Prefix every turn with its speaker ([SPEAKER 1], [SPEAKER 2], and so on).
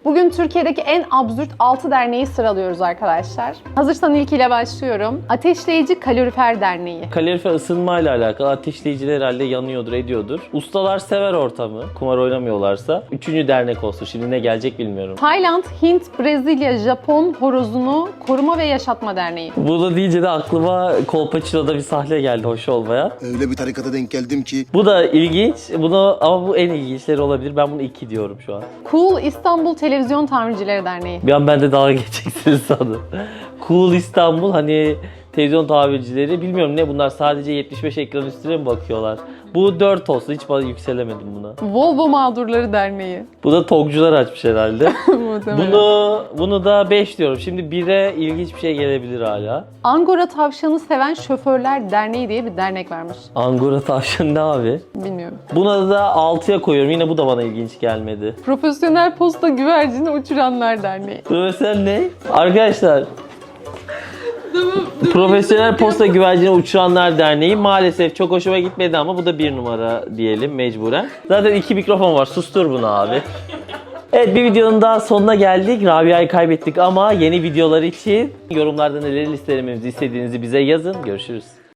[SPEAKER 1] Bugün Türkiye'deki en absürt 6 derneği sıralıyoruz arkadaşlar. Hazırsan ilkiyle başlıyorum. Ateşleyici Kalorifer Derneği.
[SPEAKER 2] Kalorifer ısınmayla alakalı, ateşleyiciler herhalde yanıyordur, ediyordur. Ustalar sever ortamı, kumar oynamıyorlarsa. 3. dernek olsun, şimdi ne gelecek bilmiyorum.
[SPEAKER 1] Tayland, Hint, Brezilya, Japon Horozunu Koruma ve Yaşatma Derneği.
[SPEAKER 2] Bunu deyince de aklıma Kolpaçino'da bir sahne geldi hoş olmaya.
[SPEAKER 3] Öyle bir tarikata denk geldim ki.
[SPEAKER 2] Bu da ilginç, ama bu en ilginçleri olabilir. Ben bunu 2 diyorum şu an.
[SPEAKER 1] Cool İstanbul Televizyon Tamircileri Derneği.
[SPEAKER 2] Bir an ben de dalga geçeceksiniz sandım. Cool İstanbul, hani televizyon tamircileri, bilmiyorum ne bunlar, sadece 75 ekran üstüne mi bakıyorlar? Bu 4 olsun, hiç bana yükselemedim buna.
[SPEAKER 1] Volvo Mağdurları Derneği.
[SPEAKER 2] Bu da TOG'cular açmış herhalde.
[SPEAKER 1] Muhtemelen.
[SPEAKER 2] Bunu da 5 diyorum. Şimdi 1'e ilginç bir şey gelebilir hala.
[SPEAKER 1] Angora Tavşanı Seven Şoförler Derneği diye bir dernek varmış.
[SPEAKER 2] Angora tavşan ne abi?
[SPEAKER 1] Bilmiyorum.
[SPEAKER 2] Buna da 6'ya koyuyorum. Yine bu da bana ilginç gelmedi.
[SPEAKER 1] Profesyonel Posta Güvercini Uçuranlar Derneği.
[SPEAKER 2] Mesela ne? Arkadaşlar. Profesyonel Posta Güvercini Uçuranlar Derneği maalesef çok hoşuma gitmedi ama bu da 1 numara diyelim mecburen. Zaten 2 mikrofon var. Sustur bunu abi. Evet, bir videonun daha sonuna geldik. Rabia'yı kaybettik ama yeni videolar için yorumlarda neleri listelememizi istediğinizi bize yazın. Görüşürüz.